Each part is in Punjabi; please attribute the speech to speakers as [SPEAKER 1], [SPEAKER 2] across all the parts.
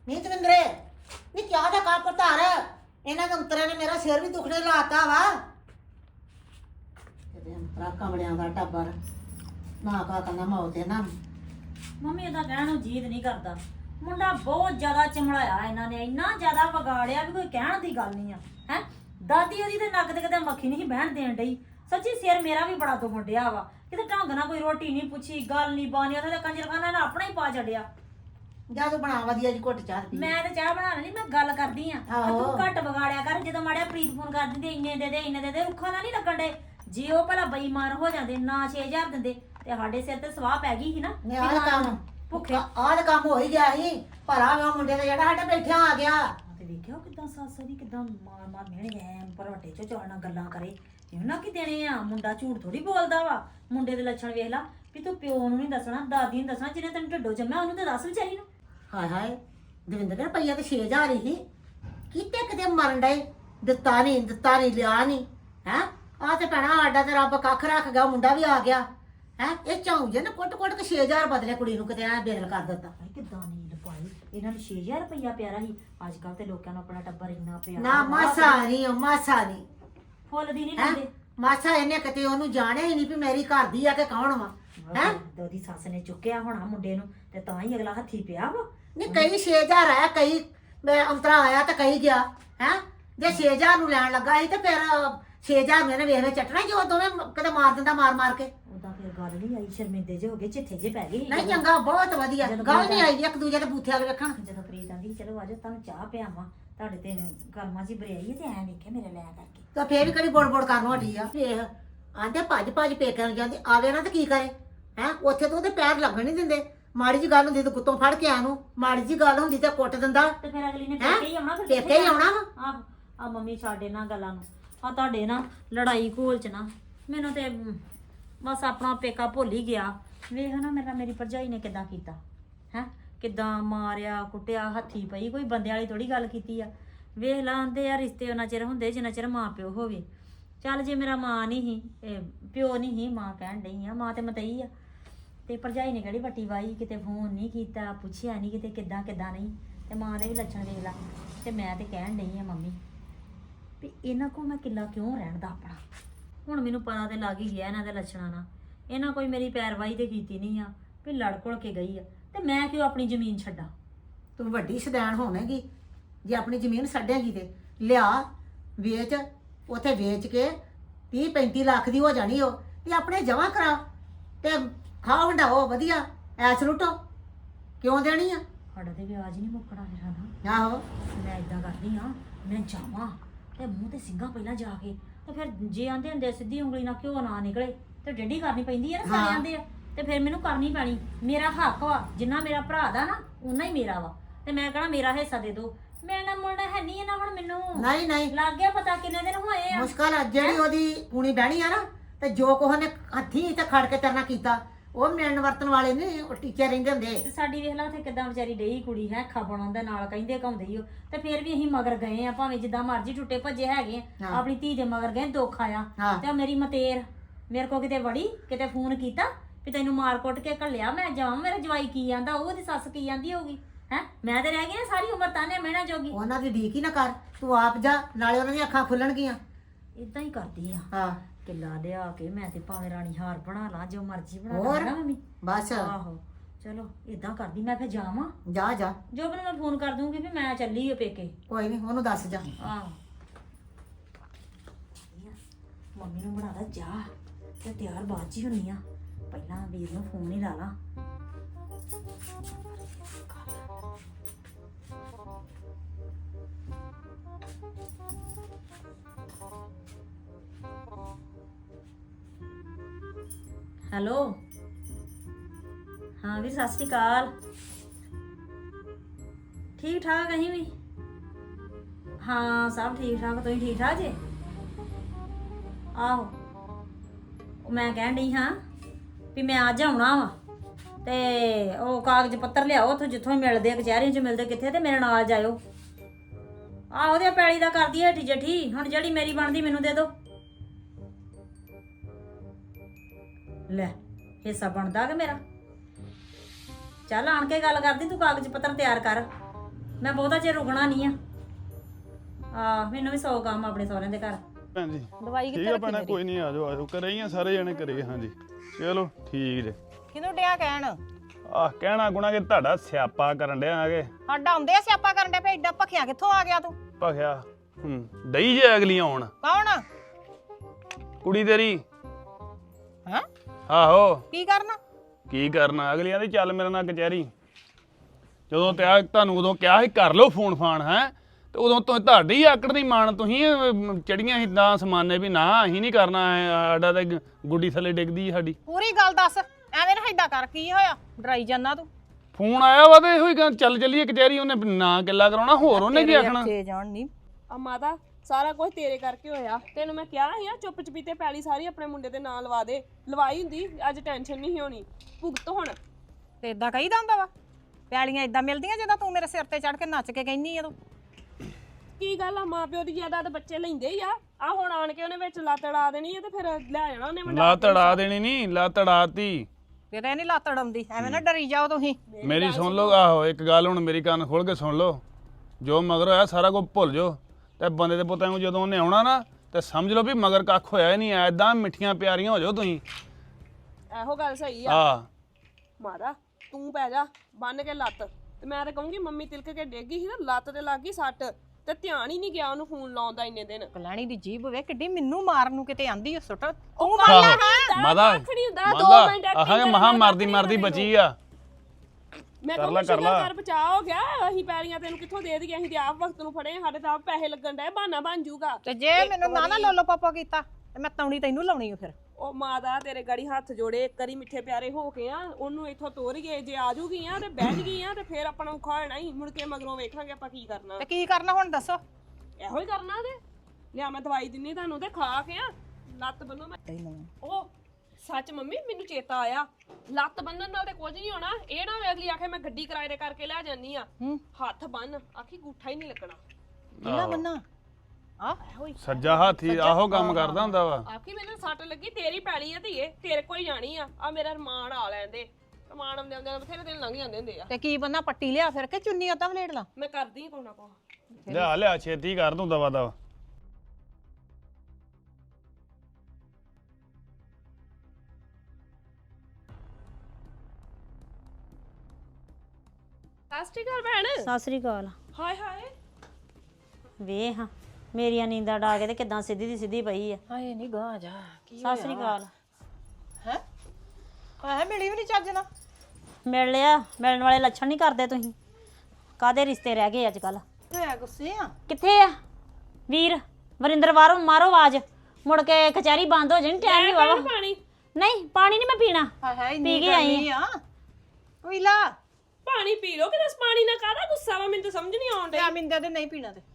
[SPEAKER 1] ਨਹੀਂ ਦਵਿੰਦਰੇ ਨੀ ਚਾਹ ਦਾ ਕੱਪ ਧਰ ਇਹਨਾਂ ਦੇ ਅੰਤਰੇ ਨੇ ਮੇਰਾ ਸਿਰ ਵੀ ਦੁਖਣੇ ਲਾਤਾ ਵਾ ਕਿਤੇ ਅੰਤਰਾ ਕਮੜਿਆਂ ਦਾ ਟੱਬਰ ਨਾ ਕਾ ਕਹਿੰਦਾ ਮੌਤ ਇਹਨਾਂ ਨੂੰ
[SPEAKER 2] ਮੰਮੀ ਇਹਦਾ ਕਹਿਣ ਨੂੰ ਜੀਦ ਨਹੀਂ ਕਰਦਾ। ਮੁੰਡਾ ਬਹੁਤ ਜ਼ਿਆਦਾ ਚਮੜਾਇਆ ਇਹਨਾਂ ਨੇ, ਇੰਨਾ ਜ਼ਿਆਦਾ ਵਿਗਾੜਿਆ ਵੀ ਕੋਈ ਕਹਿਣ ਦੀ ਗੱਲ ਨਹੀਂ ਆ। ਹੈ ਦਾਦੀ ਉਹਦੀ ਤੇ ਨੱਕ ਤੇ ਕਿਤੇ ਮੱਖੀ ਨਹੀਂ ਬਹਿਣ ਦੇਣ ਡਈ। ਸੱਚੀ ਸਿਰ ਮੇਰਾ ਵੀ ਬੜਾ ਦੁਖਣ ਡਿਆ ਵਾ। ਕਿਤੇ ਢੰਗ ਨਾਲ ਕੋਈ ਰੋਟੀ ਨਹੀਂ ਪੁੱਛੀ, ਗੱਲ ਨਹੀਂ ਬਾਨੀ, ਉਹਦੇ ਤੇ ਕੰਜਰਖਾਨਾ ਨੇ ਆਪਣਾ ਹੀ ਪਾ ਛੱਡਿਆ।
[SPEAKER 1] ਜਾ ਤੂੰ ਬਣਾ ਵਧੀਆ ਜੀ ਘੁੱਟ ਚਾਹ ਪੀ
[SPEAKER 2] ਮੈਂ ਤੇ ਚਾਹ ਬਣਾ ਲੈਣੀ, ਮੈਂ ਗੱਲ ਕਰਦੀ ਆ। ਤੂੰ ਘੱਟ ਵਿਗਾੜਿਆ ਕਰ। ਜਦੋਂ ਮਾੜਿਆ ਪ੍ਰੀਤ ਫੋਨ ਕਰ ਦਿੰਦੇ ਇੰਨੇ ਦੇ ਦੇ ਇੰਨੇ ਦੇ ਦੇ, ਰੁੱਖਾਂ ਨਾਲ ਨਹੀਂ ਲੱਗਣ ਡੇ। ਜੇ ਉਹ ਭਲਾ ਬੇਈਮਾਨ ਹੋ ਜਾਂਦੇ ਨਾ 6000 ਦਿੰਦੇ ਤੇ ਸਾਡੇ ਸਿਰ ਤੇ ਸਵਾਹ ਪੈ ਗਈ ਸੀ ਨਾ।
[SPEAKER 1] ਆਹ ਕੰਮ
[SPEAKER 2] ਭੁੱਖੇ
[SPEAKER 1] ਆਹ ਕੰਮ ਹੋ ਹੀ ਗਿਆ ਸੀ। ਪਰ ਆ ਮੁੰਡੇ ਦਾ ਜਿਹੜਾ ਸਾਡੇ ਬੈਠਿਆ ਆ ਗਿਆ
[SPEAKER 2] ਤੇ ਵੇਖਿਆ ਕਿਦਾਂ ਸੱਸ ਦੀ ਕਿਦਾਂ ਮਾਰ ਮਾਰ ਮਿਹਣੇ ਐ ਪਰਵਾਟੇ ਚ ਚਾੜਨਾ ਗੱਲਾਂ ਕਰੇ। ਇਹਨਾਂ ਕੀ ਦੇਣੇ ਆ, ਮੁੰਡਾ ਝੂਠ ਥੋੜੀ ਬੋਲਦਾ ਵਾ। ਮੁੰਡੇ ਦੇ ਲੱਛਣ ਵੇਖ ਲਾ ਵੀ ਤੂੰ ਪਿਓ ਨੂੰ ਨਹੀਂ ਦੱਸਣਾ, ਦਾਦੀ ਨੂੰ ਦੱਸਣਾ, ਜਿਹਨੇ ਤੈਨੂੰ ਢਿੱਡੋਂ ਜੰਮਿਆ ਉਹਨੂੰ ਤੇ ਦੱਸ ਵਿਚਾਰੀ ਨੂੰ।
[SPEAKER 1] ਹਾਏ ਹਾਏ ਦਵਿੰਦਰ ਨੇ ਰੁਪਈਆ ਤੇ 6000 ਹੀ ਕਿਤੇ ਕਿਤੇ ਮਰਨ ਡਏ ਦਿੱਤਾ ਨਹੀਂ ਲਿਆ ਨਹੀਂ ਹੈ। ਆ ਤੇ ਭੈਣਾ ਸਾਡਾ ਤੇ ਰੱਬ ਕੱਖ ਰੱਖ ਗਿਆ, ਮੁੰਡਾ ਵੀ ਆ ਗਿਆ ਹੈ। ਇਹ ਝੌਂਜੇ ਨੇ ਕੁੱਟ ਕੁੱਟ ਕੇ 6000 ਬਦਲੇ ਕੁੜੀ ਨੂੰ ਕਿਤੇ ਐ ਬੇਦਲ ਕਰ ਦਿੱਤਾ।
[SPEAKER 2] ਭਾਈ ਕਿਦਾਂ ਨੀਂਦ ਪਾਈ ਇਹਨਾਂ ਨੂੰ। 6000 ਰੁਪਈਆ ਪਿਆਰਾ ਸੀ। ਅੱਜ ਕੱਲ ਤੇ ਲੋਕਾਂ ਨੂੰ ਆਪਣਾ ਟੱਬਰ ਇੰਨਾ ਪਿਆਰਾ
[SPEAKER 1] ਨਾ ਮਾਸਾ ਨਹੀਂ
[SPEAKER 2] ਫੁੱਲ ਦੀ ਨਹੀਂ ਲੈਂਦੇ।
[SPEAKER 1] ਮਾਸਾ ਇਹਨੇ ਕਿਤੇ ਉਹਨੂੰ ਜਾਣਿਆ ਹੀ ਨਹੀਂ ਵੀ ਮੇਰੀ ਘਰ ਦੀ ਆ ਕਿ ਕੌਣ ਵਾ ਹੈ।
[SPEAKER 2] ਤੇ ਉਹਦੀ ਸੱਸ ਨੇ ਚੁੱਕਿਆ ਹੋਣਾ ਮੁੰਡੇ ਨੂੰ ਤੇ ਤਾਂ ਹੀ ਅਗਲਾ ਹੱਥੀ ਪਿਆ ਵਾ।
[SPEAKER 1] ਨਹੀਂ ਕਈ 6000 ਆਇਆ, ਕਈ ਅੰਤਰਾ ਆਇਆ ਤੇ ਕਈ ਗਿਆ ਹੈ। ਜੇ 6000 ਨੂੰ ਲੈਣ ਲੱਗਾ ਸੀ ਤੇ ਫਿਰ 6000 ਮੈਨੇ ਵੇਖਣੇ ਚਟਣਾ ਜੋ ਦੋਵੇਂ ਕਦੇ ਮਾਰ ਦਿੰਦਾ ਮਾਰ ਕੇ।
[SPEAKER 2] ਉਦਾਂ ਫਿਰ ਗੱਲ ਨਹੀਂ ਆਈ, ਸ਼ਰਮਿੰਦੇ ਜੇ ਹੋ ਗਏ, ਚਿੱਥੇ ਜੇ ਪੈ ਗਏ।
[SPEAKER 1] ਨਹੀਂ ਚੰਗਾ ਬਹੁਤ ਵਧੀਆ ਗੱਲ ਨਹੀਂ ਆਈ ਇੱਕ ਦੂਜੇ ਦੇ ਬੂਥੇ ਵਾਲੇ ਵੇਖਣ।
[SPEAKER 2] ਜਦੋਂ ਪ੍ਰੀਤ ਆਂਦੀ ਚਲੋ ਆਜੋ ਤੁਹਾਨੂੰ ਚਾਹ ਪਿਆਵਾਂ, ਤੁਹਾਡੇ ਤੇ ਕਰਮਾਂ 'ਚ ਬਰਿਆਈ ਤੇ ਐ ਵੇਖਿਆ ਮੇਰੇ ਲੈ ਕਰਕੇ।
[SPEAKER 1] ਤਾਂ ਫੇਰ ਵੀ ਕਿਹੜੀ ਬੋੜ ਕਰਨ ਹਟੀ ਆ। ਵੇਖ ਆਂਦੇ ਭੱਜ ਪੇਕਿਆਂ ਨੂੰ ਜਾਂਦੀ ਆਵੇ ਨਾ ਤੇ ਕੀ ਕਰੇ ਹੈ। ਉੱਥੇ ਤਾਂ ਉਹਦੇ ਪੈਰ ਲੱਗਣ ਨਹੀਂ ਦਿੰਦੇ। ਮਾੜੀ ਜੀ ਗੱਲ ਹੁੰਦੀ ਤੇ ਗੁੱਤੋਂ ਫੜ ਕੇ ਆ ਨੂੰ, ਮਾੜੀ ਜੀ ਗੱਲ ਹੁੰਦੀ ਤੇ ਕੁੱਟ ਦਿੰਦਾ
[SPEAKER 2] ਤੇ ਫਿਰ ਅਗਲੀ ਨੇ ਪੇਕੇ ਹੀ ਆਉਣਾ। ਫਿਰ
[SPEAKER 1] ਪੇਕੇ ਹੀ ਆਉਣਾ ਵਾ।
[SPEAKER 2] ਆਹ ਆ ਮੰਮੀ ਸਾਡੇ ਨਾਲ ਗੱਲਾਂ ਨੂੰ ਆ ਤੁਹਾਡੇ ਨਾਲ ਲੜਾਈ ਘੋਲ ਚ ਨਾ ਮੈਨੂੰ ਤੇ ਬਸ ਆਪਣਾ ਪੇਕਾ ਭੁੱਲ ਹੀ ਗਿਆ। ਵੇਖ ਨਾ ਮੇਰੀ ਭਰਜਾਈ ਨੇ ਕਿੱਦਾਂ ਕੀਤਾ ਹੈ, ਕਿੱਦਾਂ ਮਾਰਿਆ ਕੁੱਟਿਆ, ਹੱਥੀ ਪਈ। ਕੋਈ ਬੰਦੇ ਵਾਲੀ ਥੋੜੀ ਗੱਲ ਕੀਤੀ ਆ। ਵੇਖ ਲਾਂਦੇ ਆ ਰਿਸ਼ਤੇ ਉਹਨਾਂ ਚਿਰ ਹੁੰਦੇ ਜਿੰਨਾ ਚਿਰ ਮਾਂ ਪਿਓ ਹੋਵੇ। ਚੱਲ ਜੇ ਮੇਰਾ ਮਾਂ ਨਹੀਂ ਸੀ ਪਿਓ ਨਹੀਂ ਸੀ, ਮਾਂ ਕਹਿਣ ਡਈ ਆ, ਮਾਂ ਤੇ ਮਤਈ ਆ। ਤੇ ਭਰਜਾਈ ਨੇ ਕਿਹੜੀ ਵੱਟੀ ਵਾਈ, ਕਿਤੇ ਫੋਨ ਨਹੀਂ ਕੀਤਾ, ਪੁੱਛਿਆ ਨਹੀਂ ਕਿਤੇ ਕਿੱਦਾਂ ਨਹੀਂ। ਤੇ ਮਾਂ ਦੇ ਵੀ ਲੱਛਣ ਵੇਖ ਲਾ। ਤੇ ਮੈਂ ਤੇ ਕਹਿਣ ਡਈ ਆ ਮੰਮੀ ਵੀ ਇਹਨਾਂ ਕੋਲ ਮੈਂ ਕਿੱਲਾ ਕਿਉਂ ਰਹਿਣ ਦਾ ਆਪਣਾ। ਹੁਣ ਮੈਨੂੰ ਪਤਾ ਤੇ ਲੱਗ ਹੀ ਗਿਆ ਇਹਨਾਂ ਦੇ ਲੱਛਣਾਂ ਨਾਲ। ਇਹਨਾਂ ਕੋਈ ਮੇਰੀ ਪੈਰਵਾਈ ਤੇ ਕੀਤੀ ਨਹੀਂ ਆ ਵੀ ਲੜ ਘੁਲ ਕੇ ਗਈ ਆ। ਤੇ ਮੈਂ ਕਿਉਂ ਆਪਣੀ ਜ਼ਮੀਨ ਛੱਡਾਂ।
[SPEAKER 1] ਤੂੰ ਵੱਡੀ ਸ਼ੈਤਾਨ ਹੋਵੇਂਗੀ ਜੇ ਆਪਣੀ ਜ਼ਮੀਨ ਛੱਡੇਂਗੀ ਤੇ। ਲਿਆ ਵੇਚ, ਉੱਥੇ ਵੇਚ ਕੇ 30-35 ਲੱਖ ਦੀ ਹੋ ਜਾਣੀ ਉਹ ਤੇ ਆਪਣੇ ਜਮਾ ਕਰਾ ਤੇ ਖਾਓ ਹੰਡਾਓ ਵਧੀਆ ਐਸ ਲੁੱਟੋ। ਕਿਉਂ ਦੇਣੀ ਆ?
[SPEAKER 2] ਸਾਡਾ ਤੇ ਵਿਆਜ ਨਹੀਂ ਮੁੱਕਣਾ ਮੇਰਾ ਨਾ।
[SPEAKER 1] ਆਹੋ
[SPEAKER 2] ਮੈਂ ਇਦਾਂ ਕਰਦੀ ਆ, ਮੈਂ ਜਾਵਾਂ ਤੇ ਮੂੰਹ ਤੇ ਸਿੰਘਾਂ ਪਹਿਲਾਂ ਜਾ ਕੇ ਤੇ ਫਿਰ ਜੇ ਆਂਦੇ ਹੁੰਦੇ ਸਿੱਧੀ ਉਂਗਲੀ ਨਾਲ ਘਿਓ ਨਾ ਨਿਕਲੇ ਤੇ ਡੇਢੀ ਕਰਨੀ ਪੈਂਦੀ ਆ ਨਾ। ਸਾਰੇ ਆਂਦੇ ਆ ਤੇ ਫਿਰ ਮੈਨੂੰ ਕਰਨੀ ਪੈਣੀ। ਮੇਰਾ ਹੱਕ ਵਾ, ਜਿੰਨਾ ਮੇਰਾ ਭਰਾ ਦਾ ਨਾ ਉਨਾ ਹੀ ਮੇਰਾ ਵਾ। ਤੇ ਮੈਂ ਕਹਣਾ ਮੇਰਾ ਹਿੱਸਾ ਦੇ ਦਿਓ। ਮੇਰੇ ਨਾਲ ਮੁੰਡਾ ਹੈ ਨਹੀਂ ਨਾ ਹੁਣ। ਮੈਨੂੰ
[SPEAKER 1] ਨਹੀਂ
[SPEAKER 2] ਲੱਗ ਗਿਆ ਪਤਾ ਕਿੰਨੇ ਦਿਨ ਹੋਏ ਆ।
[SPEAKER 1] ਮੁਸ਼ਕਲ ਆ ਜਿਹੜੀ ਉਹਦੀ ਪੂਣੀ ਬਹਿਣੀ ਆ ਨਾ ਤੇ ਜੋ ਕੋਹ ਨੇ ਹੱਥੀਂ ਤੇ ਖੜ ਕੇ ਤਰਨਾ ਕੀਤਾ ਉਹ ਮਿਲਣ ਵਰਤਣ ਵਾਲੇ ਨੇ ਉਹ ਟੀਚੇ ਰਹਿੰਦੇ ਹੁੰਦੇ।
[SPEAKER 2] ਤੇ ਸਾਡੀ ਵੇਖ ਲਾ ਉੱਥੇ ਕਿੱਦਾਂ ਵਿਚਾਰੀ ਡਈ ਕੁੜੀ ਹੈ ਖਾਬਣਾਂ ਦੇ ਨਾਲ ਕਹਿੰਦੇ ਘਾਉਂਦੇ ਹੀ ਉਹ। ਤੇ ਫਿਰ ਵੀ ਅਸੀਂ ਮਗਰ ਗਏ ਆ, ਭਾਵੇਂ ਜਿੱਦਾਂ ਮਰਜ਼ੀ ਟੁੱਟੇ ਭੱਜੇ ਹੈਗੇ ਆ। ਆਪਣੀ ਧੀ ਦੇ ਮਗਰ ਗਏ, ਦੁੱਖ ਆਇਆ ਤੇ ਮੇਰੀ ਮਤੇਰ ਮੇਰੇ ਕੋ ਕਿਤੇ ਵੜੀ, ਕਿਤੇ ਫੋਨ ਕੀਤਾ ਵੀ ਤੈਨੂੰ ਮਾਰ ਕੁੱਟ ਕੇ ਘੱਲਿਆ, ਮੈਂ ਜਾਵਾਂ ਮੇਰਾ ਜਵਾਈ ਕੀ ਜਾਂਦਾ, ਉਹਦੀ ਸੱਸ ਕੀ ਜਾਂਦੀ ਹੋਊਗੀ ਹੈ। ਮੈਂ ਤੇ ਰਹਿ ਗਈ ਨਾ ਸਾਰੀ ਉਮਰ ਤਾਨੇ ਮਹਿਣਾ ਜੋਗੀ।
[SPEAKER 1] ਉਹਨਾਂ ਦੀ ਢੀਕ ਹੀ ਨਾ ਕਰ, ਤੂੰ ਆਪ ਜਾ, ਨਾਲੇ ਉਹਨਾਂ ਦੀਆਂ ਅੱਖਾਂ ਖੁੱਲਣਗੀਆਂ।
[SPEAKER 2] ਇਦਾਂ ਹੀ ਕਰਦੀ ਆ।
[SPEAKER 1] ਹਾਂ
[SPEAKER 2] ਕਿੱਲਾ ਲਿਆ ਕੇ ਮੈਂ ਤੇ ਭਾਵੇਂ ਰਾਣੀ ਹਾਰ ਬਣਾ ਲਾਂ, ਜੋ ਮਰਜ਼ੀ ਬਣਾ
[SPEAKER 1] ਹੋਰ
[SPEAKER 2] ਲਾਂ ਮੰਮੀ।
[SPEAKER 1] ਬਸ
[SPEAKER 2] ਆਹੋ ਚਲੋ ਇਦਾਂ ਕਰਦੀ ਮੈਂ। ਫਿਰ ਜਾਵਾਂ
[SPEAKER 1] ਜਾ
[SPEAKER 2] ਜੋ ਮੈਂ ਫੋਨ ਕਰ ਦੂੰਗੀ ਵੀ ਮੈਂ ਚੱਲੀ ਓ ਪੇਕੇ।
[SPEAKER 1] ਕੋਈ ਨਹੀਂ ਉਹਨੂੰ ਦੱਸ ਜਾ।
[SPEAKER 2] ਆਹੋ ਮੰਮੀ ਨੂੰ ਬਣਾ ਦਾ ਜਾ ਤੇ ਤਿਆਰ ਬਾਅਦ 'ਚ ਹੀ ਹੁੰਨੀ ਆ। ਪਹਿਲਾਂ ਵੀਰ ਨੂੰ ਫੋਨ ਹੀ ਲਾ ਲਾਂ। ਹੈਲੋ ਹਾਂ ਵੀਰ, ਸਤਿ ਸ਼੍ਰੀ ਅਕਾਲ। ਠੀਕ ਠਾਕ ਅਸੀਂ ਵੀ। ਹਾਂ ਸਭ ਠੀਕ ਠਾਕ, ਤੁਸੀਂ ਠੀਕ ਠਾਕ ਜੇ? ਆਹੋ ਮੈਂ ਕਹਿਣ ਡਈ ਹਾਂ ਵੀ ਮੈਂ ਅੱਜ ਆਉਣਾ ਵਾ ਤੇ ਉਹ ਕਾਗਜ਼ ਪੱਤਰ ਲਿਆਓ ਉੱਥੋਂ ਜਿੱਥੋਂ ਹੀ ਮਿਲਦੇ, ਕਚਹਿਰੀ 'ਚ ਮਿਲਦੇ ਕਿੱਥੇ, ਤੇ ਮੇਰੇ ਨਾਲ ਜਾਇਓ। ਆਹੋ ਉਹਦੇ ਪੈਲੀ ਦਾ ਕਰਦੀ ਹੇਠੀ ਜੱਠੀ, ਹੁਣ ਜਿਹੜੀ ਮੇਰੀ ਬਣਦੀ ਮੈਨੂੰ ਦੇ ਦਿਓ। ਲੈ ਹਿੱਸਾ ਬਣਦਾ ਕਿ ਮੇਰਾ? ਚੱਲ ਆਣ ਕੇ ਗੱਲ ਕਰਦੀ, ਤੂੰ ਕਾਗਜ਼ ਪੱਤਰ ਤਿਆਰ ਕਰ। ਮੈਂ ਬਹੁਤਾ ਚਿਰ ਰੁਕਣਾ ਨਹੀਂ ਆ ਮੈਨੂੰ ਵੀ 100 ਕੰਮ ਆਪਣੇ ਸਹੁਰਿਆਂ ਦੇ ਘਰ।
[SPEAKER 3] ਭੈਣ ਜੀ
[SPEAKER 4] ਦਵਾਈ
[SPEAKER 3] ਠੀਕ
[SPEAKER 4] ਕਿੱਥੇ
[SPEAKER 3] ਆ
[SPEAKER 4] ਰੱਖੀ
[SPEAKER 3] ਭੈਣਾ,
[SPEAKER 4] ਮੇਰੀ?
[SPEAKER 3] ਕੋਈ ਨਹੀਂ, ਆਜੋ ਆਜੋ, ਘਰੇ ਹੀ ਆ ਸਾਰੇ ਜਣੇ, ਘਰੇ ਹਾਂਜੀ। ਚਲੋ ਠੀਕ ਜੇ।
[SPEAKER 4] ਕਿਹਨੂੰ ਡਿਆ ਕਹਿਣ?
[SPEAKER 3] ਆਹ ਕਹਿਣਾ ਗੁਣਾ ਕਿ ਤੁਹਾਡਾ ਸਿਆਪਾ ਕਰਨ ਡਿਆ ਆਗੇ।
[SPEAKER 4] ਸਾਡਾ ਆਉਂਦੇ ਆ ਸਿਆਪਾ ਕਰਨ ਦੇ, ਫੇ ਏਡਾ ਭਖਿਆ ਕਿੱਥੋਂ ਆ ਗਿਆ ਤੂੰ?
[SPEAKER 3] ਭਖਿਆ ਡਈ ਜੇ ਅਗਲੀਆਂ ਆਉਣ।
[SPEAKER 4] ਕੌਣ?
[SPEAKER 3] ਕੁੜੀ ਤੇਰੀ।
[SPEAKER 4] ਹੈਂ?
[SPEAKER 3] ਆਹੋ
[SPEAKER 4] ਕੀ ਕਰਨਾ?
[SPEAKER 3] ਕੀ ਕਰਨਾ, ਅਗਲੀਆਂ ਦੀ ਚੱਲ ਮੇਰੇ ਨਾਲ ਕਚਹਿਰੀ। ਜਦੋਂ ਤੁਹਾਨੂੰ ਉਦੋਂ ਕਿਹਾ ਸੀ ਕਰ ਲਓ ਫੋਨ ਫਾਨ ਹੈ, ਤੇ ਉਦੋਂ ਤੋਂ ਤੁਹਾਡੀ ਆਕੜ ਦੀ ਮਾਣ ਤੁਸੀਂ ਚੜੀਆਂ ਸੀ ਤਾਂ ਸਮਾਨੇ ਵੀ ਨਾ ਅਸੀਂ ਨਹੀਂ ਕਰਨਾ, ਸਾਡਾ ਤਾਂ ਗੁੱਡੀ ਥੱਲੇ ਡਿੱਗਦੀ ਸਾਡੀ।
[SPEAKER 4] ਪੂਰੀ ਗੱਲ ਦੱਸ, ਐਵੇਂ ਨਾ ਏਦਾਂ ਕਰ, ਕੀ ਹੋਇਆ? ਡਰਾਈ ਜਾਂਦਾ ਤੂੰ।
[SPEAKER 3] ਫੋਨ ਆਇਆ ਵਾ ਤੇ ਇਹੋ ਹੀ ਗੱਲ, ਚੱਲ ਚੱਲੀਏ ਕਚਹਿਰੀ। ਉਹਨੇ ਨਾ ਗੱਲਾਂ ਕਰਾਉਣਾ, ਹੋਰ ਉਹਨੇ ਕੀ ਆਖਣਾ।
[SPEAKER 4] ਤੇਰੇ ਜਾਣ ਨਹੀਂ
[SPEAKER 5] ਆ ਮਾਤਾ ਸਾਰਾ ਕੁਝ ਤੇਰੇ ਕਰਕੇ ਹੋਇਆ। ਤੈਨੂੰ ਮੈਂ ਕਿਹਾ ਸੀ ਆ ਚੁੱਪ ਚਪੀਤੇ ਪੈਲੀ ਸਾਰੀ ਆਪਣੇ ਮੁੰਡੇ ਦੇ ਨਾਂ ਲਵਾ ਦੇ। ਲਵਾਈ ਹੁੰਦੀ ਅੱਜ ਟੈਨਸ਼ਨ ਨਹੀਂ ਹੋਣੀ। ਭੁਗਤ ਹੁਣ।
[SPEAKER 4] ਤੇ ਏਦਾਂ ਕਹੀਦਾ ਹੁੰਦਾ ਵਾ? ਪੈਲੀਆਂ ਏਦਾਂ ਮਿਲਦੀਆਂ ਜਦੋਂ ਤੂੰ ਮੇਰੇ ਸਿਰ ਤੇ ਚੜ ਕੇ ਨੱਚ ਕੇ ਕਹਿੰਨੀ ਆ ਤੂੰ।
[SPEAKER 5] ਕੀ ਗੱਲ ਆ, ਮਾਂ ਪਿਓ ਦੀ ਜਾਇਦਾਦ ਬੱਚੇ ਲੈਂਦੇ ਹੀ ਆ ਹੁਣ ਆਣ ਕੇ ਉਹਨੇ ਵਿੱਚ ਲੱਤ ਅੜਾ ਦੇਣੀ ਹੈ ਤੇ ਫਿਰ ਲੈ ਜਾਣਾ ਉਹਨੇ
[SPEAKER 3] ਲਾ ਤੜਾ ਦੇਣੀ ਨਹੀਂ, ਲਾ ਤੜਾਤੀ।
[SPEAKER 4] ਤੇਰੇ ਨਹੀਂ ਲੱਤ ਅੜਾਉਂਦੀ, ਐਵੇਂ ਨਾ ਡਰੀ ਜਾਓ ਤੁਸੀਂ।
[SPEAKER 3] ਮੇਰੀ ਸੁਣ ਲਓ। ਆਹੋ ਇੱਕ ਗੱਲ ਹੁਣ ਮੇਰੀ ਕੰਨ ਖੋਲ ਕੇ ਸੁਣ ਲਓ। ਜੋ ਮਗਰ ਹੋਇਆ ਸਾਰਾ ਕੁਝ ਭੁੱਲ ਜਾਓ, ਤੇ ਬੰਦੇ ਦੇ ਪੁੱਤਾਂ ਨੂੰ ਜਦੋਂ ਉਹਨੇ ਆਉਣਾ ਨਾ ਤੇ ਸਮਝ ਲਓ ਵੀ ਮਗਰ ਕੱਖ ਹੋਇਆ ਹੀ ਨਹੀਂ। ਐਦਾਂ ਮਿੱਠੀਆਂ ਪਿਆਰੀਆਂ ਹੋ ਜਾਓ ਤੁਸੀਂ।
[SPEAKER 5] ਇਹੋ ਗੱਲ ਸਹੀ ਆ।
[SPEAKER 3] ਆ
[SPEAKER 5] ਮਾਤਾ ਤੂੰ ਪੈ ਜਾ ਬੰਨ ਕੇ ਲੱਤ, ਤੇ ਮੈਂ ਤਾਂ ਕਹੂੰਗੀ ਮੰਮੀ ਤਿਲਕ ਕੇ ਡੇਗੀ ਸੀ ਨਾ, ਲੱਤ ਤੇ ਲੱਗ ਗਈ ਸੱਟ, ਤੇ ਧਿਆਨ ਹੀ ਨਹੀਂ ਗਿਆ ਉਹਨੂੰ ਫੋਨ ਲਾਉਣ ਦਾ ਇੰਨੇ ਦਿਨ।
[SPEAKER 4] ਕਲੈਣੀ ਦੀ ਜੀਭ ਵੇ ਕਿੱਡੀ, ਮੈਨੂੰ ਮਾਰਨ ਨੂੰ ਕਿਤੇ ਆਂਦੀ ਓ ਸੁੱਟ। ਤੂੰ
[SPEAKER 3] ਮਾਦਾ ਆਹਾਂ ਮਹਾ ਮਾਰਦੀ ਮਾਰਦੀ ਬਚੀ ਆ।
[SPEAKER 5] ਮੈਂ
[SPEAKER 3] ਕਰ ਲਾ, ਕਰ ਲਾ।
[SPEAKER 5] ਕਰ ਬਚਾ ਹੋ ਗਿਆ। ਅਸੀਂ ਪੈਲੀਆਂ ਤੈਨੂੰ ਕਿੱਥੋਂ ਦੇ ਦਈਏ? ਅਸੀਂ ਤੇ ਆਪ ਵਕਤ ਨੂੰ ਫੜੇ, ਸਾਡੇ ਤਾਂ ਆਪ ਪੈਸੇ ਲੱਗਣ ਡਏ, ਬਹਾਨਾ ਬਣ ਜੂਗਾ।
[SPEAKER 4] ਤੇ ਜੇ ਮੈਨੂੰ ਨਾ ਲੋਲੋ ਪਾਪਾ ਕੀਤਾ ਤੇ ਮੈਂ ਤੌਣੀ ਤੈਨੂੰ ਲਾਉਣੀ ਓ ਫਿਰ।
[SPEAKER 5] ਉਹ ਮਾਦਾ ਤੇਰੇ ਗਾੜੀ ਹੱਥ ਜੋੜੇ, ਇੱਕ ਵਾਰੀ ਮਿੱਠੇ ਪਿਆਰੇ ਹੋ ਕੇ ਆ ਉਹਨੂੰ ਇੱਥੋਂ ਤੋਰ ਗਏ। ਜੇ ਆ ਜੂਗੀ ਆ ਤੇ ਬਹਿ ਗਈ ਆ ਤੇ ਫਿਰ ਆਪਾਂ ਨੂੰ ਖਾਣਾ ਹੀ, ਮੁੜ ਕੇ ਮਗਰੋਂ ਵੇਖਾਂਗੇ ਆਪਾਂ ਕੀ ਕਰਨਾ।
[SPEAKER 4] ਤੇ ਕੀ ਕਰਨਾ ਹੁਣ ਦੱਸੋ?
[SPEAKER 5] ਇਹੋ ਹੀ ਕਰਨਾ ਤੇ ਲਿਆ ਮੈਂ ਦਵਾਈ ਦਿੰਨੀ ਤੁਹਾਨੂੰ ਤੇ ਖਾ ਕੇ ਆ ਲੱਤ ਬੰਨੋ। ਮੈਂ ਉਹ ਸੱਚ ਮੰਮੀ ਮੈਨੂੰ ਚੇਤਾ ਆਇਆ, ਲੱਤ ਬੰਨਣ ਨਾਲ ਤੇ ਕੁਝ ਨਹੀਂ ਹੋਣਾ। ਇਹ ਨਾ ਹੋਵੇ ਅਗਲੀ ਆਖੇ ਮੈਂ ਗੱਡੀ ਕਿਰਾਏ ਤੇ ਕਰਕੇ ਲੈ ਜਾਨੀ ਆ। ਹੱਥ ਬੰਨ, ਆਖੀ ਗੂਠਾ ਹੀ ਨਹੀਂ ਲੱਗਣਾ।
[SPEAKER 4] ਕਿਹੜਾ ਬੰਨਾ? ਆ
[SPEAKER 3] ਸੱਜਾ ਹੱਥ ਹੀ ਆਹੋ ਕੰਮ ਕਰਦਾ ਹੁੰਦਾ ਵਾ।
[SPEAKER 5] ਆਖੀ ਮੈਨੂੰ ਸੱਟ ਲੱਗੀ, ਤੇਰੀ ਪੈਲੀ ਆ ਧੀਏ, ਤੇਰੇ ਕੋਈ ਜਾਣੀ ਆ। ਆ ਮੇਰਾ ਰਮਾਨ ਆ ਲੈਂਦੇ, ਰਮਾਨ ਆਉਂਦੇ ਆਉਂਦੇ ਬਥੇਰੇ ਦਿਨ ਲੰਘ ਜਾਂਦੇ ਹੁੰਦੇ ਆ।
[SPEAKER 4] ਤੇ ਕੀ ਬੰਨਾ? ਪੱਟੀ ਲਿਆ ਫਿਰ ਕੇ ਚੁੰਨੀ ਉਦਾਂ ਵਲੇੜ ਲਾ।
[SPEAKER 5] ਮੈਂ ਕਰਦੀ ਆ ਕੋਈ ਨਾ ਕੋਈ।
[SPEAKER 3] ਲਿਆ ਲਿਆ ਛੇਤੀ ਕਰ ਦੂੰ ਦਵਾ ਦਵਾ।
[SPEAKER 5] ਸਤਿ ਸ਼੍ਰੀ ਅਕਾਲ ਭੈਣ।
[SPEAKER 2] ਸਤਿ ਸ੍ਰੀ ਅਕਾਲ।
[SPEAKER 5] ਹਾਏ ਹਾਏ
[SPEAKER 2] ਵੇ ਹਾਂ ਮੇਰੀਆਂ ਨੀਂਦਾਂ ਡਾ ਕੇ ਤੇ ਕਿਦਾਂ ਸਿੱਧੀ ਦੀ ਸਿੱਧੀ ਪਈ ਆ।
[SPEAKER 4] ਹਾਏ ਨਹੀਂ ਗਾ ਜਾ।
[SPEAKER 2] ਸਤਿ ਸ੍ਰੀ ਅਕਾਲ।
[SPEAKER 4] ਹੈ ਆਹ ਮਿਲੀ ਵੀ ਨਹੀਂ ਚੱਜ ਨਾ।
[SPEAKER 2] ਮਿਲ ਲਿਆ, ਮਿਲਣ ਵਾਲੇ ਲੱਛਣ ਨਹੀਂ ਕਰਦੇ ਤੁਸੀਂ। ਕਾਦੇ ਰਿਸ਼ਤੇ ਰਹਿ ਗਏ ਅੱਜ ਕੱਲ?
[SPEAKER 4] ਹੋਇਆ ਗੁੱਸੇ ਆ?
[SPEAKER 2] ਕਿੱਥੇ ਆ ਵੀਰ ਵਰਿੰਦਰ? ਮਾਰੋ ਆਵਾਜ਼, ਮੁੜ ਕੇ ਕਚਹਿਰੀ ਬੰਦ ਹੋ ਜਾਣੀ। ਟਾਈਮ ਨਹੀਂ ਵਾਵਾ।
[SPEAKER 5] ਪਾਣੀ
[SPEAKER 2] ਨਹੀਂ ਪਾਣੀ ਨਹੀਂ ਮੈਂ ਪੀਣਾ।
[SPEAKER 4] ਹਾਏ
[SPEAKER 2] ਪੀ ਕੇ ਆਈ
[SPEAKER 4] ਆ। ਕੋਈ ਲਾ
[SPEAKER 5] ਪਾਣੀ ਪੀ ਲੋ। ਕਿਤੇ ਪਾਣੀ ਨਾ ਕਾਹਦਾ ਗੁੱਸਾ ਵਾ? ਮੈਨੂੰ ਤਾਂ ਸਮਝ ਨਹੀਂ ਆਉਣ ਡਈ।
[SPEAKER 4] ਆ ਮਿੰਦੇ ਦੇ ਨਹੀਂ ਪੀਣਾ ਤੇ